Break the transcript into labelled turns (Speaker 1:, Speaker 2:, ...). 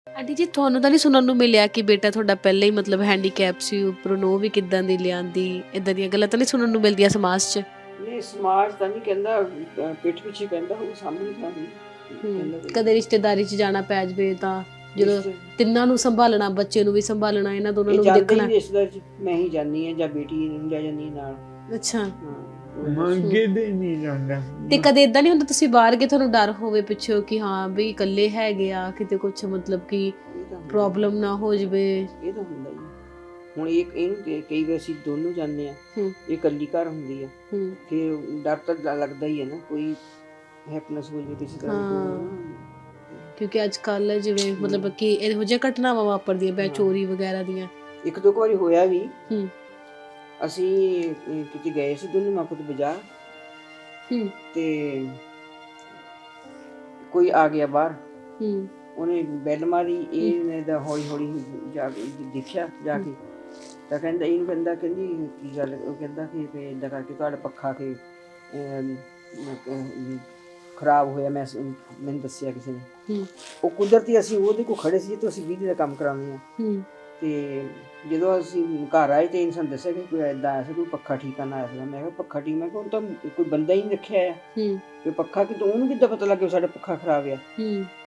Speaker 1: Aunty ਜੀ ਤੁਹਾਨੂੰ ਤਾਂ ਨਹੀਂ ਸੁਣਨ ਨੂੰ ਮਿਲਿਆ ਕਿ ਬੇਟਾ ਤੁਹਾਡਾ ਪਹਿਲਾਂ ਹੀ ਮਤਲਬ ਹੈਂਡੀਕੈਪ ਸੀ, ਉੱਪਰੋਂ ਨੂੰਹ ਵੀ ਕਿੱਦਾਂ ਦੀ ਲਿਆਂਦੀ, ਇਦਾਂ ਦੀਆਂ ਗੱਲਾਂ ਤਾਂ ਨਹੀਂ ਸੁਣਨ ਨੂੰ ਮਿਲਦੀਆਂ ਸਮਾਜ 'ਚ?
Speaker 2: ਨਹੀਂ ਸਮਾਜ ਤਾਂ ਨਹੀਂ ਕਹਿੰਦਾ, ਪਿੱਠ ਪਿੱਛੇ ਕਹਿੰਦਾ ਉਹ ਸਾਹਮਣੇ ਤਾਂ ਨਹੀਂ ਕਹਿੰਦਾ ਕੋਈ।
Speaker 1: ਕਦੇ ਰਿਸ਼ਤੇਦਾਰੀ 'ਚ ਜਾਣਾ ਪੈ ਜਾਵੇ ਤਾਂ ਜਦੋਂ
Speaker 2: ਰਿਸ਼ਤੇ-
Speaker 1: ਤਿੰਨਾਂ ਨੂੰ ਸੰਭਾਲਣਾ, ਬੱਚੇ ਨੂੰ ਵੀ ਸੰਭਾਲਣਾ, ਇਹਨਾਂ ਦੋਨਾਂ
Speaker 2: ਇਹ
Speaker 1: ਨੂੰ ਵੀ
Speaker 2: ਜਾਂਦੇ
Speaker 1: ਦੇਖਣਾ।
Speaker 2: ਹੀ ਰਿਸ਼ਤੇਦਾਰ ਚ ਮੈਂ ਹੀ ਜਾਂਦੀ ਹਾਂ ਜਾਂ ਬੇਟੀ ਨੂੰ ਲੈ ਜਾਂਦੀ ਹਾਂ ਨਾਲ।
Speaker 1: ਅੱਛਾ।
Speaker 2: ਹਾਂ
Speaker 3: ਮੰਗੇ ਦੇ ਨਹੀਂ ਜਾਂਦਾ।
Speaker 1: ਤੇ ਕਦੇ ਇਦਾਂ ਨਹੀਂ ਹੁੰਦਾ ਤੁਸੀਂ ਬਾਹਰ ਗਏ ਤੁਹਾਨੂੰ ਡਰ ਹੋਵੇ ਪਿੱਛੋਂ ਕਿ ਹਾਂ ਵੀ ਇਕੱਲੇ ਹੈਗੇ ਆ, ਕਿਤੇ ਕੁਝ ਮਤਲਬ ਕਿ
Speaker 2: ਇਹ ਤਾਂ ਹੁੰਦਾ-
Speaker 1: ਪ੍ਰੋਬਲਮ ਨਾ ਹੋ ਜਾਵੇ?
Speaker 2: ਇਹ ਤਾਂ ਹੁੰਦਾ ਹੀ ਆ। ਹੁਣ ਇਹਨੂੰ ਕਈ ਵਾਰ ਅਸੀਂ ਦੋਨੋਂ ਜਾਂਦੇ ਆ, ਇਹ ਇਕੱਲੀ ਘਰ ਹੁੰਦੀ ਆ, ਫਿਰ ਡਰ ਤਾਂ ਲੱਗਦਾ ਹੀ ਹੈ ਨਾ, ਕੋਈ ਹੈਪਨੈਸ ਹੋ ਜਾਵੇ ਕਿਸੇ ਤਰ੍ਹਾਂ ਦੀ।
Speaker 1: ਕਿਉਂਕਿ ਅੱਜ ਕੱਲ ਜਿਵੇਂ ਮਤਲਬ ਕਿ ਇਹੋ ਜਿਹੀਆਂ ਘਟਨਾਵਾਂ ਵਾਪਰਦੀਆਂ ਪਈਆਂ, ਚੋਰੀ ਵਗੈਰਾ ਦੀਆਂ।
Speaker 2: ਇੱਕ ਦੋ ਵਾਰੀ ਹੋਇਆ ਵੀ,
Speaker 1: ਹੂੰ
Speaker 2: ਅਸੀਂ ਕਿਤੇ ਗਏ ਸੀ ਦੋਨੋਂ ਮਾਂ ਪੁੱਤ ਬਾਜ਼ਾਰ, ਤੇ ਕੋਈ ਆ ਗਿਆ ਬਾਹਰ, ਉਹਨੇ ਬੈਲ ਮਾਰੀ, ਇਹਨੇ ਤਾਂ ਹੌਲੀ ਹੌਲੀ ਜਾ ਕੇ ਦੇਖਿਆ ਜਾ ਕੇ, ਤਾਂ ਕਹਿੰਦਾ ਇਹਨੂੰ ਕਹਿੰਦੀ ਕੀ ਗੱਲ, ਉਹ ਕਹਿੰਦਾ ਕਿ ਏਦਾਂ ਕਰਕੇ ਤੁਹਾਡਾ ਪੱਖਾ ਕਿ ਖਰਾਬ ਹੋਇਆ, ਮੈਨੂੰ ਦੱਸਿਆ ਕਿਸੇ ਨੇ। ਉਹ ਕੁਦਰਤੀ ਅਸੀਂ ਉਹਦੇ ਕੋਲ ਖੜੇ ਸੀ, ਤੇ ਅਸੀਂ ਬਿਜਲੀ ਦਾ ਕੰਮ ਕਰਾਉਂਦੇ ਹਾਂ, ਤੇ ਜਦੋਂ ਅਸੀਂ ਘਰ ਆਏ ਤੇ ਇਹਨੇ ਸਾਨੂੰ ਦੱਸਿਆ ਕਿ ਕੋਈ ਏਦਾਂ ਆਇਆ ਸੀ, ਕੋਈ ਪੱਖਾ ਠੀਕ ਕਰਨ ਆਇਆ ਸੀਗਾ। ਮੈਂ ਕਿਹਾ ਪੱਖਾ ਠੀਕ? ਮੈਂ ਕਿਹਾ ਉਹ ਤਾਂ ਕੋਈ ਬੰਦਾ ਹੀ ਨਹੀਂ ਰੱਖਿਆ ਆ, ਕਿ ਪੱਖਾ ਕਿਤੋਂ, ਉਹਨੂੰ ਕਿੱਦਾਂ ਪਤਾ ਲੱਗ ਗਿਆ ਸਾਡਾ ਪੱਖਾ ਖਰਾਬ ਆ?